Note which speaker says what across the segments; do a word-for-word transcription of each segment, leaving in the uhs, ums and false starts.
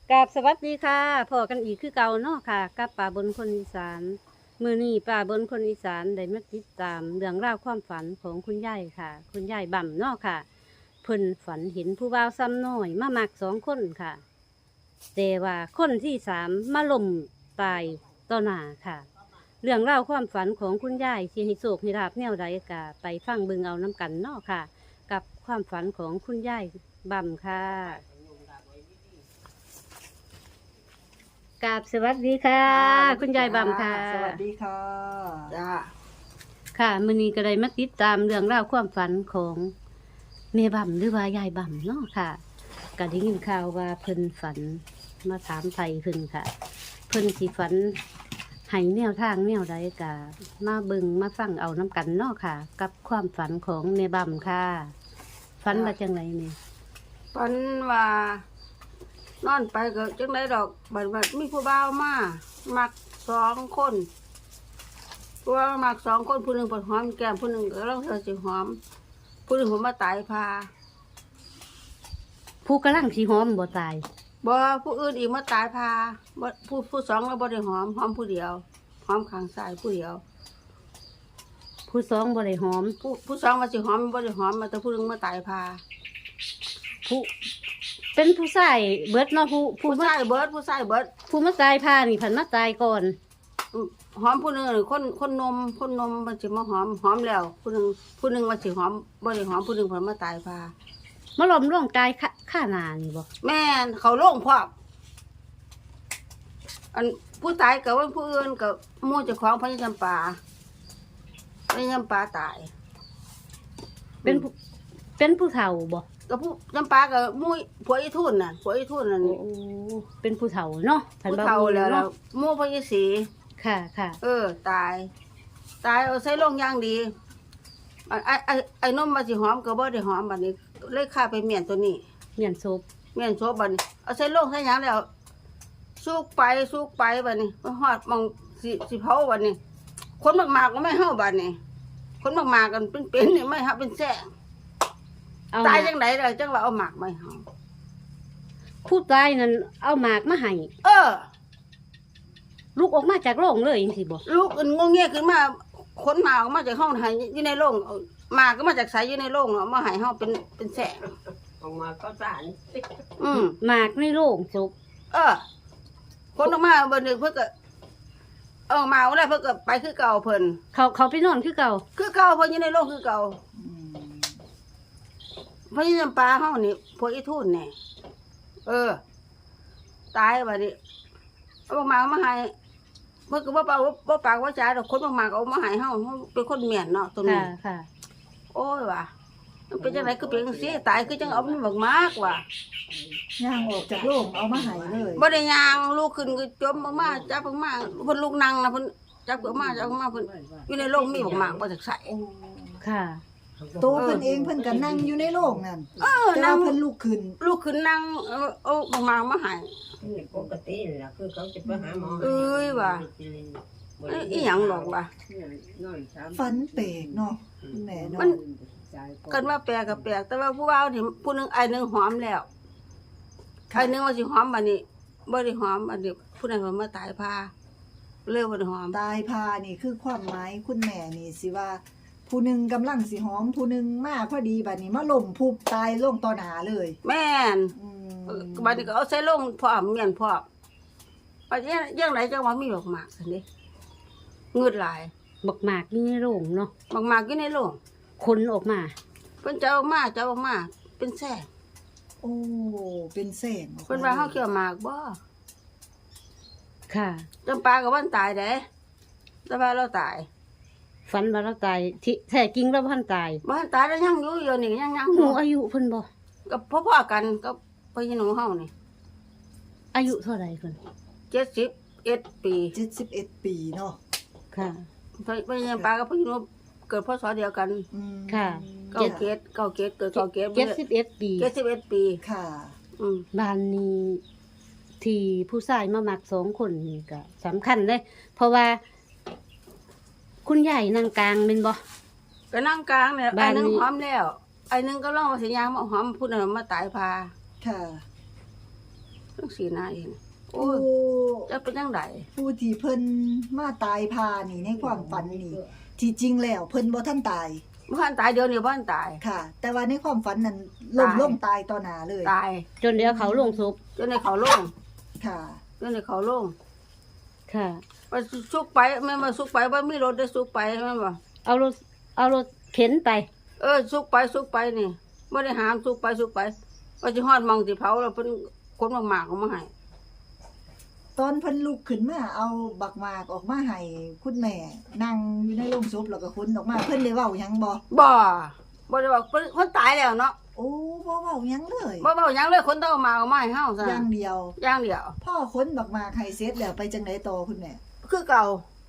Speaker 1: กราบสวัสดีค่ะพอกันอีกคือเก่าเนาะค่ะกับป่าบนคนอีสานมือนี้ป่าบนคนอีสานได้มาติดตามเรื่องราวความฝันของคุณยายค่ะ คุณยายบ่ำเนาะค่ะเพิ่นฝันเห็นผู้บ่าวซ้ำน้อยมามักสองคนค่ะแต่ว่าคนที่สามมาล่มตายต่อหน้าค่ะ เรื่องราวความฝันของคุณยายสิให้โศกให้ลาบแนวใดกะไปฟังเบิ่งเอาน้ำกันเนาะค่ะ กับความฝันของคุณยายบ่ำค่ะกราบสวัสดีค่ะ คุณยายบ่ำค่ะ
Speaker 2: สวัสดีค่ะ
Speaker 3: จ้า
Speaker 1: ค่ะมื้อนี้ก็ได้มาติดตามเรื่องราวความฝันของแม่บ่ำหรือว่ายายบ่ำเนาะค่ะก็ได้ยินข่าวว่าเพิ่นฝันมาถามไทยเพิ่นค่ะ เพิ่นสิฝันให้แนวทางแนวใดก็มาเบิ่งมาฟังเอาน้ำกันเนาะค่ะ กับความฝันของแม่บ่ำค่ะฝันว่าจังไงนี่
Speaker 3: ฝันว่านอนไปก็จังไดดอกบัดบัดมีผู้บ่าวมามักสองคนผู้บ่าวมักสองคนผู้หนึ่งเปิดหอมแก้มผู้หนึ่งก็เล่าเธอสิหอมผู้หนึ่งผมมาตายพา
Speaker 1: ผู้กำลังสิหอมบ่ตาย
Speaker 3: บ่ผู้อื่นอีกมาตายพาบ่ผู้ผู้สองเราบ่ได้หอมหอมผู้เดียวหอมข้างซ้ายผู้เดียว
Speaker 1: ผู้สองบ่ได้หอม
Speaker 3: ผู้ผู้สองว่าสิหอมบ่ได้หอมมาแต่ผู้หนึ่งมาตายพา
Speaker 1: ผู้เป็นผู้ชายเบิดเนาะผู้ผู้
Speaker 3: ผู้
Speaker 1: มา
Speaker 3: ชายเบิดผู้ชายเบิด
Speaker 1: ผู้มาตายพานี่ผันมาตายก่อน
Speaker 3: หอมผู้หนึ่งคนคนนมคนนมมันสิมาหอมหอมแล้วผู้หนึ่งผู้หนึ่งมันสิหอมบ่ได้หอมผู้หนึ่งเพิ่นมาตายพา
Speaker 1: มาล้อมร่องกายข้าข้าหนานี่บ่
Speaker 3: แม่นเขาโล่งพร้อมอันผู้ตายกับว่าผู้อื่นกับหมู่เจ้าของพญาจำปาพญาจำปาตาย
Speaker 1: เป็นผู้เป็นผู้เฒ่าบ่
Speaker 3: กับผู้จำปากับหมู่ผัวอีทุนน่ะผัวอีทุนนั่น
Speaker 1: โอ้เป็นผู้เฒ่าเนาะผัน
Speaker 3: ผู้
Speaker 1: บ่
Speaker 3: เฒ่าแล้ว
Speaker 1: เนาะ
Speaker 3: หมู่พญาศรี
Speaker 1: ค่ะค่ะ
Speaker 3: เออ ตาย ตายเอาใส่ลงอย่างดีอันไอ้ไอ้ไอ้นมมาสิหอมก็บ่ได้หอมบัดนี้ เลยฆ่าไปเมียนตัวนี้
Speaker 1: เมียนศพ
Speaker 3: เมียนโซบัดนี้เอาใส่ลงใส่หยังแล้วสุกไปสุกไปบัดนี้มันฮอดมองสิสิเผาบัดนี้ คนมากๆก็ไม่เฮาบัดนี้ คนมากๆกันเป็นๆนี่ไม่เฮาเป็นแซ่
Speaker 1: เอา
Speaker 3: ตาย
Speaker 1: หมาก
Speaker 3: จังไดล่ะจังว่าเอาหมากไม่เฮา
Speaker 1: ผู้ตายนั่นเอาหมากมาให้
Speaker 3: เออ
Speaker 1: ลูกออกมาจากโรงเลยจังซี่บ่
Speaker 3: ลูกงงเงี้ยขึ้นมาคนหมากออกมาจากห้องให้อยู่ในโรงเอาหมากก็มาจากไสอยู่ในโรงเนาะเอามาให้เฮาเป็นเป็นแซ่
Speaker 2: ออกมาก็สาร
Speaker 3: อืม
Speaker 1: หมากในโรงศพ
Speaker 3: เออ คนออกมาเบิ่นึงเพิ่นก็เอามาเอาได้เพิ่นก็ไปคือเก่าเพิ่น
Speaker 1: เขาเขาไปนอนคือเก่า
Speaker 3: คือเก่าเพิ่นอยู่ในโรงคือเก่า พญาจำปาเฮานี่พวกอีทุนแน่เออ ตายบัดนี้เอามาเอามาให้เพิ่นก็บ่ปากบ่ปากว่าจ๋าดอกคนมากๆเอามาให้เฮาเฮาเป็นคนเมียนเนาะตรงนี้
Speaker 1: ค่ะค่ะ
Speaker 3: โอ้ยว่ะมันเป็นจังได๋คือเป็นจังซี่ตายคือจังเอามันบักมากว่ะ
Speaker 2: ย่างออกจากโรงเอามาใหายเลย
Speaker 3: บ่ได้ย่างลูกขึ้นก็จมบักมาจับบักมาเพิ่นลูกนั่งนะเพิ่นจับบักมาจับบักมาเพิ่นอยู่ในโรงมีบักมากบ่จักใส่
Speaker 1: ค่ะ
Speaker 2: โตเพิ่นเองเพิ่นก็นั่งอยู่ในโรงนั่น
Speaker 3: เออ
Speaker 2: แต่
Speaker 3: นั่
Speaker 2: ว่าง เพิ่นลุกขึ้น
Speaker 3: ลูกขึ้นนั่งเอาเอาบักมามาให้
Speaker 4: นี่ปกติแหละคือเขาจะไปหาหมอ
Speaker 3: เอ้ยว่ะเอ้ยอีหยังหรอกว่ะ
Speaker 2: ฝันแปลกเนาะคุณแม่เนาะ
Speaker 3: มัน กันว่าแปลกกับแปลกแต่ว่าผู้บ่าวนี่ผู้หนึงไอ้หนึงหอมแล้วไอ้หนึงว่าสิหอมบัดนี้บ่ได้หอมอันนี้ผู้นั้นก็มาตายพาเลยบ่ได้หอม
Speaker 2: ตายพานี่คือความหมายคุณแม่นี่สิว่า ผู้หนึงกำลังสิหอมผู้หนึงมาพอดีบัดนี้มาล้มพุบตายลงต่อหน้าเลย
Speaker 3: แม่น
Speaker 2: อืม
Speaker 3: เออบัดนี้ก็เอาใส่ลงพร้อมเมียนพร้อมบัดนี้ยังไดจังว่ามีบักหมากซั่นดิเงืดหลาย
Speaker 1: บักหมากอยู่ในโรงเนาะ
Speaker 3: บักหมากอยู่ในโรง
Speaker 1: คนออกมา
Speaker 3: เพิ่นจะเอามาจะเอามาเป็นแซ่
Speaker 2: โอ้เป็นแสงออกม
Speaker 3: เพิ่นว่าเฮาเกี่ยวหมากบ่
Speaker 1: ค่ะ
Speaker 3: จำปาก็วันตายเด้แต่ว่าเราตาย
Speaker 1: ฝันว่าเราตายที่แท้จริงเราบ่ทันตาย
Speaker 3: บ่ทันตายแล้วยังอยู่อยู่นี่ยังยังอ
Speaker 1: หนู
Speaker 3: ยู่
Speaker 1: อายุเพิ่นบ่
Speaker 3: ก็พ่อๆกันก็พี่น้องเฮานี่
Speaker 1: อายุเท่าไหร่เพิ่น
Speaker 3: เจ็ดสิบเอ็ดปี
Speaker 2: เจ็ดสิบเอ็ดปีเนาะ
Speaker 1: ค่ะ
Speaker 3: ไปไปยังปลากับพี่น้องเกิดพศเดียวกัน
Speaker 2: อืม
Speaker 1: ค่ะ
Speaker 3: เก้าเกตเก้าเกตเกิดเก้าเกต
Speaker 1: เจ็ดสิบเอ็ดปี
Speaker 3: เจ็ดสิบเอ็ดปี
Speaker 2: ค่ะ
Speaker 3: อืม
Speaker 1: บ้านนี้ที่ผู้ชายมามักสองคนนี่ก็สำคัญเลย เพราะว่า คุณยายนั่งกลางเป็นบ่
Speaker 3: ก็นั่งกลางเนี่ย
Speaker 1: บ้า
Speaker 3: ไอ้
Speaker 1: น
Speaker 3: หนึง
Speaker 1: นี้
Speaker 3: หอมแล้วไอ้หนึงก็ร้องว่าสิยางมาหอมพูดน่ะมาตายพา
Speaker 2: ค่ะ
Speaker 3: งซี่นะเองโอ้
Speaker 2: ผู้
Speaker 3: ยจะเป็นจังได
Speaker 2: ผู้ที่เพิ่นมาตายพานี่ในความฝันนี่ที่จริงแล้วเพิ่นบ่ทันตาย
Speaker 3: บ่ทันตายเดี๋ยวนี้บ่ทันตาย
Speaker 2: ค่ะ แต่ว่าในความฝันนั้นล้ม
Speaker 3: ตาย
Speaker 2: ลงตายต่อหน้าเลย
Speaker 3: ตาย
Speaker 1: จนเดี๋ยวเขาลงศพ
Speaker 3: จนในเขาลง
Speaker 2: ค่ะ
Speaker 3: จนในเขาลง
Speaker 1: ค่ะ
Speaker 3: ว่าสุกไปแม่นบ่สุกไปบ่มีรถได้สุกไปแม่นบ่
Speaker 1: เอารถเอารถเข็นไป
Speaker 3: เออสุกไปสุกไปนี่บ่ได้หามสุกไปสุกไปว่าสิฮอดหมองสิเผาแล้วเพิ่นคนมากๆเอามาให้
Speaker 2: ตอนเพิ่นลุกขึ้นมาเอาบักหมากออกมาให้คุณแม่นั่งอยู่ในโรงศพแล้วก็ขนออกมาเพิ่นได้เว้าหยังบ่
Speaker 3: บ่บ่ได้ว่าเพิ่นคนตายแล้วเนาะ
Speaker 2: โอ้บ่เว้าหยังเลย
Speaker 3: บ่เว้าหยังเลยคนต้องเอามาเอามาให้เฮาซะ
Speaker 2: อย่างเดียว
Speaker 3: อย่างเดียว
Speaker 2: พ่อขนบักหมากให้เสร็จแล้วไปจังไดต่อคุณแม่
Speaker 3: คือเก่าน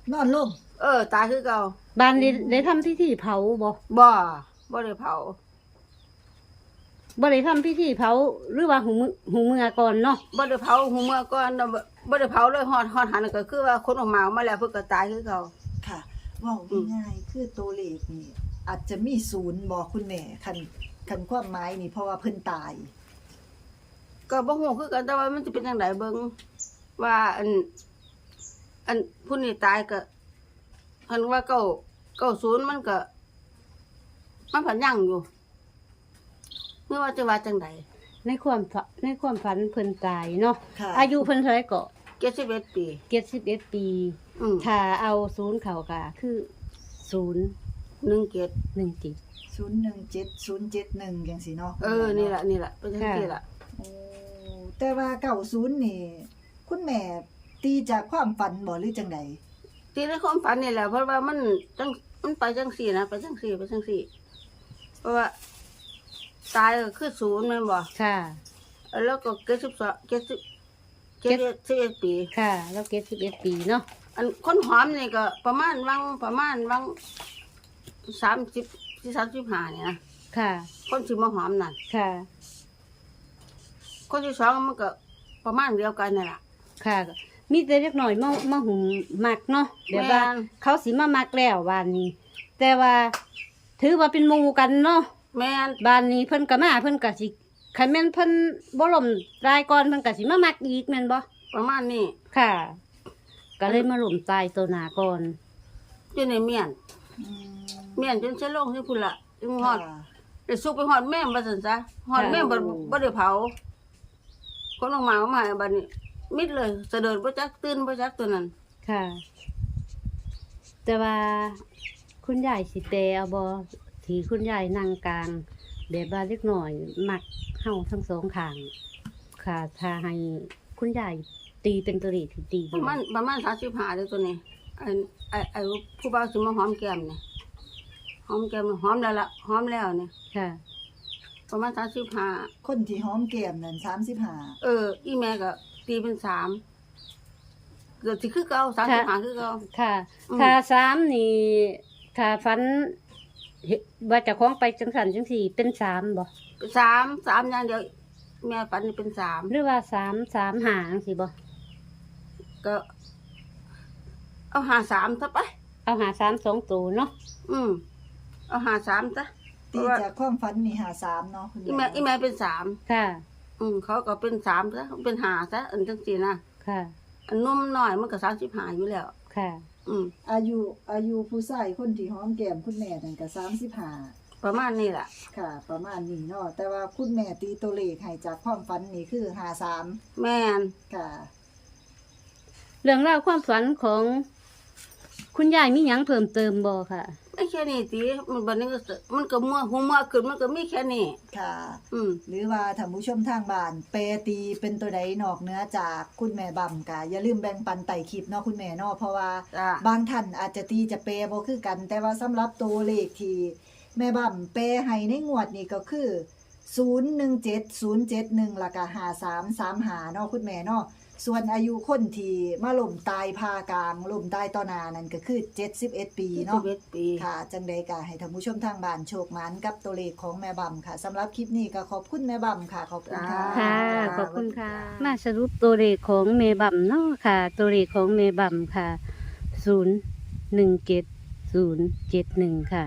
Speaker 2: อนลง
Speaker 3: เออตายคือเก่า
Speaker 1: บ้านได้ได้ทำพิธีเผาบ่
Speaker 3: บ่บ่ได้เผา
Speaker 1: บ่ได้ทำพิธีเผาหรือว่าหูมือหูมือก่อนเนาะ
Speaker 3: บ่ได้เผาหูเมื่อก่อนน่ะบ่บ่ได้เผาเลยฮอดฮอดหันก็คือว่าคนออกมาเอามาแล้วเพิ่นก็ตายคือเก่า
Speaker 2: ค่ะเว้าง่ายๆคือตัวเลขนี่อาจจะมีศูนย์บ่คุณแม่คันคันความหมายนี่เพราะว่าเพิ่นตาย
Speaker 3: ก็บ่ฮู้คือกันแต่ว่ามันสิเป็นจังไดเบิ่งว่าอันอันผู้นี้ตายก็คันว่าเก้าเก้าศูนย์มันก็มันพันยังอยู่เมื่อว่าจะว่าจังได
Speaker 1: ในความฝันในความฝันเพิ่นตายเนาะ
Speaker 2: ค่ะ
Speaker 1: อายุเพิ่นเท่าไหร่ก็
Speaker 3: เจ็ดสิบเอ็ดปี
Speaker 1: เจ็ดสิบเอ็ดปี
Speaker 3: อืม
Speaker 1: ถ้าเอาศูนย์เข้าก็คือศูนย์
Speaker 3: หนึ่งเจ็ด
Speaker 1: หนึ่งจิต
Speaker 2: ศูนย์หนึ่งเจ็ด ศูนย์เจ็ดหนึ่งจังซี่เนาะ
Speaker 3: เออนี่ล่ะนี่ล่ะเป็นจังซี่ล่ะ
Speaker 2: โอ้แต่ว่าเก้าศูนย์นี่ คุณแม่ตีจากความฝันบ่หรือจังได
Speaker 3: ที่ในความฝันนี่แหละเพราะว่ามันจังมันไปจังซี่นะไปจังซี่ไปจังซี่เพราะว่าตายก็คือศูนย์แม่นบ่
Speaker 1: ค่ะ
Speaker 3: แล้วก็เจ็ดสิบสองเจ็ดสิบเจ็ดสิบเอ็ดปี
Speaker 1: ค่ะ แล้วเจ็ดสิบเอ็ดปีเนาะ
Speaker 3: อันคนหอมนี่ก็ประมาณวังประมาณวังสามสิบที่สามสิบห้าเนี่ยนะ
Speaker 1: ค่ะ
Speaker 3: คนสิมาหอมนั่น
Speaker 1: ค่ะ
Speaker 3: คนที่สองมันก็ประมาณเดียวกันนี่แหละ
Speaker 1: ค่ะ มีแต่เล็กหน่อยมามาหุมมักเนาะเดี๋ยวว่า
Speaker 3: แม่น
Speaker 1: เขาสิมามักแล้วบ้านนี้ แต่ว่า ถือว่าเป็นหมู่กันเนาะ
Speaker 3: แม่น
Speaker 1: บ้านนี้เพิ่นก็มาเพิ่นก็สิคันแม่นเพิ่นบ่ล่มตายก่อนเพิ่นก็สิมามักอีกแม่นบ่
Speaker 3: ประมาณนี้
Speaker 1: ค่ะ ก็เลยมาล่มตายตัวหน้าก่อน
Speaker 3: จนในเมียน
Speaker 2: อืม
Speaker 3: เมียนจนเสลงที่พุ่นละจนฮอด
Speaker 2: ค่ะ
Speaker 3: ได้สุกไปฮอดแม่มบ่ซั่นซะฮอดแม่มบ่บ่ได้เผาคนออกมาเอามาให้บัดนี้ มิดเลยเสด็จบ่จักตื่นบ่จักตัวนั้น
Speaker 1: ค่ะ แต่ว่าคุณยายสิแปลเอาบ่ที่คุณยายนั่งกลางแบบว่าเล็กหน่อยมักเฮาทั้งสองข้าง ค่ะ ถ้าให้คุณยายตีเป็นตัวเลขที่ตี
Speaker 3: ประมาณประมาณสามสิบห้าเด้อตัวนี้ไอ้ไอ้ไอ้ผู้บ่าวสิมาหอมแก้มนี่หอมแก้มหอมแล้วล่ะหอมแล้วนี่
Speaker 1: ค่ะ
Speaker 3: ประมาณสามสิบห้า
Speaker 2: คนที่หอมแก้มนั่นสามสิบห้า
Speaker 3: เออ อีแม่ก็ตีเป็นสามเกือบสิคือเก่าสามสิบห้าคือเก่า
Speaker 1: ค่ะ
Speaker 3: อืม
Speaker 1: ถ้าสามนี่ถ้าฝันเห็นว่าเจะคล้าของไปจังสันจังสี่เป็นสามบ่
Speaker 3: สามสามอย่างเดียวแม่ฝันนี่เป็นสาม
Speaker 1: หรือว่าสามสามหาจังสี่บ่
Speaker 3: ก็ เอาหาสามซะไป
Speaker 1: เอาหาสามสองตัวเนาะ
Speaker 3: อืมเอาหาสามซะเพ
Speaker 2: ตี
Speaker 3: ราะว่า
Speaker 2: จากความฝันนี่หาสามเนาะคุณ
Speaker 3: อีแม่อีแม่เป็นสาม
Speaker 1: ค่ะ
Speaker 3: อืมเขาก็เป็นสามซะเป็นหาซะอันจังสี่นะ
Speaker 1: ค่ะ
Speaker 3: อันนุ่มหน่อยมันก็สามสิบห้าอยู่แล้ว
Speaker 1: ค่ะ
Speaker 3: อืม
Speaker 2: อายุอายุผู้ชายคนที่หอมแก้มคุณแม่นั่นก็สามสิบห้า
Speaker 3: ประมาณนี้แหละ
Speaker 2: ค่ะ ประมาณนี้เนาะแต่ว่าคุณแม่ตีตัวเลขให้จากความฝันนี่คือหาสาม
Speaker 3: แม่น
Speaker 2: ค่ะ
Speaker 1: เรื่องราวความฝันของคุณยายมีหยังเพิ่มเติมบ่ค่ะ
Speaker 3: ไม่แค่นี้ตีมันบัดนี้ก็สมันก็มัวหัวมัวขึ้นมันก็มีแค่นี้
Speaker 2: ค่ะ
Speaker 3: อืม
Speaker 2: หรือว่าท่านผู้ชมทางบ้านแปรตีเป็นตัวใดนอกเหนือจากคุณแม่บำกะอย่าลืมแบ่งปันไต่คลิปเนาะคุณแม่เนาะเพราะว่า
Speaker 3: จ้ะ
Speaker 2: บางท่านอาจจะตีจะแปรบ่คือกัน แต่ว่าสำหรับตัวเลขที่แม่บำแปรให้ในงวดนี้ก็คือศูนย์หนึ่งเจ็ด ศูนย์เจ็ดหนึ่งแล้วก็ห้าสามสามห้าเนาะคุณแม่เนาะส่วนอายุคนที่มาล่มตายพากลางล่มตายต่อหน้านั่นก็คือเจ็ดสิบเอ็ดปี
Speaker 3: สิ
Speaker 2: เนาะ
Speaker 3: บเอ็ดปี
Speaker 2: ค่ะจังใดก็ให้ท่านผู้ชมทางบ้านโชคหมานกับตัวเลขของแม่บำค่ะสำหรับคลิปนี้ก็ขอบคุณแม่บำค่ะ ขอบคุณค่ะ
Speaker 1: ค่ะ ขอบคุณค่ะ มาสรุปตัวเลขของเมบัมเนาะค่ะ ตัวเลขของเมบัมค่ะศูนย์หนึ่งเจ็ดศูนย์เจ็ดหนึ่งค่ะ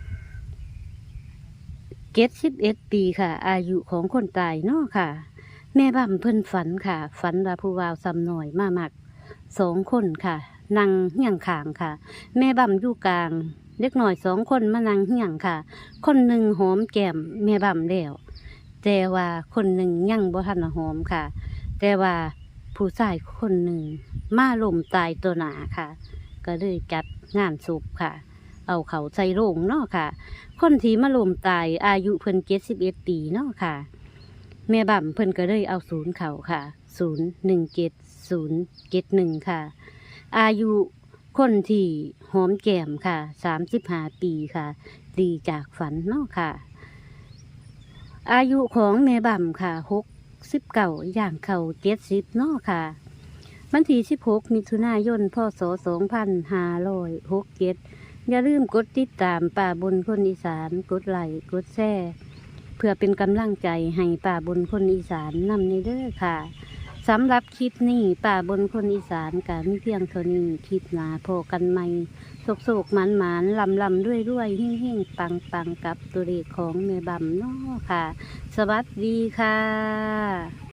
Speaker 1: เจ็ดสิบเอ็ดปีค่ะ อายุของคนตายเนาะค่ะแม่บั่มเพิ่นฝันค่ะ ฝันว่าผู้วาวซ้ำหน่อยมามักสองคนค่ะนั่งเฮียงข้างค่ะ แม่บั่มอยู่กลางเล็กหน่อยสองคนมานั่งเฮียงค่ะ คนหนึ่งหอมแก้มแม่บั่มแล้วแต่ว่าคนหนึ่งยังบ่ทันหอมค่ะ แต่ว่าผู้ชายคนหนึ่งมาล้มตายตัวหนาค่ะ ก็เลยจัดงานศพค่ะ เอาเขาใส่โรงเนาะค่ะ คนที่มาล้มตายอายุเพิ่นเจ็ดสิบเอ็ดปีเนาะค่ะ แม่บั่มเพิ่นก็เลยเอาศูนย์เขาค่ะศูนย์หนึ่งเจ็ดศูนย์เจ็ดหนึ่งค่ะ อายุคนที่หอมแก้มค่ะสามสิบห้าปีค่ะดีจากฝันเนาะค่ะ อายุของแม่บั่มค่ะหกสิบเก้าย่างเข้าเจ็ดสิบเนาะค่ะวันที่สิบหกมิถุนายนพศสองพันห้าร้อยหกเจ็ดอย่าลืมกดติดตามป่าบนคนอีสานกดไลค์กดแชร์เพื่อเป็นกำลังใจให้ป่าบนคนอีสานนำในเด้อค่ะสำหรับคลิปนี้ป่าบนคนอีสานกามีเพียงเท่านี้คลิปหนาพอกันใหม่โศกโศกหมานหมานลำลำด้วยด้วยหิ่งหิ่งปังปังกับตัวเลขของแม่บั่มเนาะค่ะ สวัสดีค่ะ